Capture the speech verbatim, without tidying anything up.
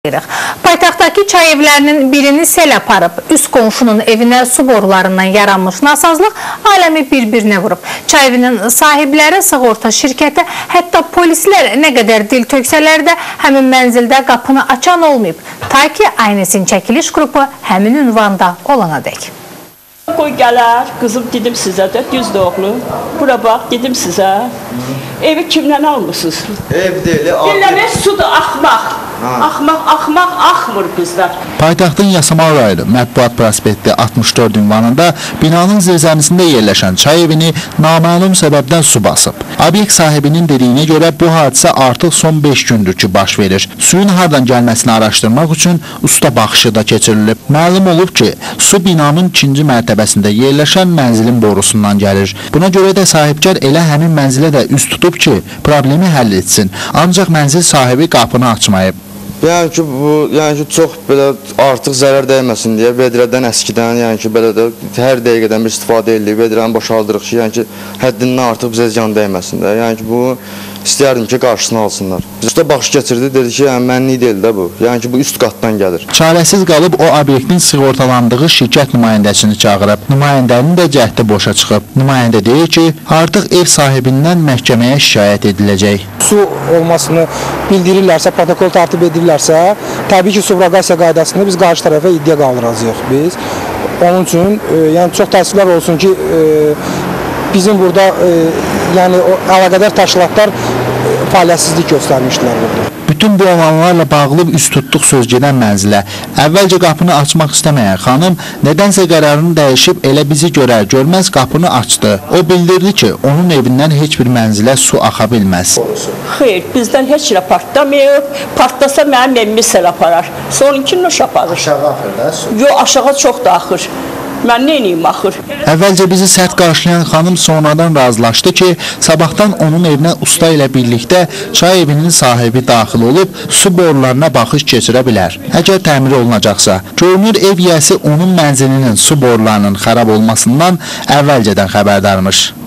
Paytaxtdakı çay evlərinin birini sel aparıb, üst qonşunun evinə su borularından yaranmış nasazlıq aləmi bir-birinə vurub. Çay evinin sahibləri, sığorta şirkəti, hətta polislər nə qədər dil töksələr də həmin mənzildə qapını açan olmayıb. Ta ki, Aynesin çəkiliş qrupu həmin ünvanda olana dək. Qoy gələr, qızım dedim sizə də, düz doğru. Bura bax, dedim sizə. Evi kimdən almışsınız? Ev deyil, Dinləmək sudur, axmaq. Axmaq, axmaq, axmır bizlər. Paytaxtın Yasamal rayonu Mətbuat prospekti altmış dörd ünvanında binanın zirzəmisində yerləşən çay evini naməlum səbəbdən su basıb. Obyekt sahibinin dediyinə görə bu hadisə artıq son beş gündür ki baş verir. Suyun hardan gəlməsini araşdırmaq üçün usta baxışı da keçirilib. Məlum olub ki, su binanın ikinci mərtəbəsində yerləşən mənzilin borusundan gəlir. Buna görə də sahibkar elə həmin mənzilə də üst tutub ki, problemi həll etsin. Ancaq mənzil sahibi qapını açmayıb. Yəni ki, bu, yəni ki, çox belə artıq zərər dəyməsin deyə vedrədən əskidən, yəni ki, belə də hər dəqiqədən bir istifadə edilir, vedrəni boşaldırıq ki, yəni ki, həddindən artıq bizə ziyan dəyməsin də. Yəni ki, bu istəyərdim ki, qarşısını alsınlar. Usta baxış keçirdi, dedi ki, yəni mənlik deyil də bu. Yəni ki, bu üst qatdan gəlir. Çarəsiz qalıb o obyektin sığortalandığı şirkət nümayəndəsini çağırıb. Nümayəndənin də cəhdi boşa çıxıb. Nümayəndə deyir ki, artıq ev sahibindən məhkəməyə şikayət ediləcək. Su olmasını bildirirlərsə, protokol tərtib edirlərsə, təbii ki, subrogasiya qaydasını biz qarşı tərəfə iddia qaldıracağıq biz. Onun üçün, e, yəni çox təəssüflər olsun ki, e, bizim burada e, yəni o əlaqədar təşkilatlar e, fəaliyyətsizlik göstərmişdilər burada. Bütün bu alanlarla bağlı üst tutduq söz gedən mənzilə. Əvvəlcə qapını açmaq istəməyən xanım nədənsə qərarını dəyişib elə bizi görər, görməz qapını açdı. O bildirdi ki, onun evindən heç bir mənzilə su axa bilməz. Xeyr, bizdən heç nə partlamayıb. Partlasa mənim evimi sel aparar. Sonunkini noş aparır. Aşağı axır da su? Yox, aşağı çox da axır. Mən neyniyim axır? Əvvəlcə bizi sərt qarşılayan xanım sonradan razılaşdı ki, sabahdan onun evinə usta ilə birlikdə çay evinin sahibi daxil olub su borularına baxış keçirə bilər. Əgər təmir olunacaqsa, görünür ev yiyəsi onun mənzilinin su borularının xarab olmasından əvvəlcədən xəbərdarmış.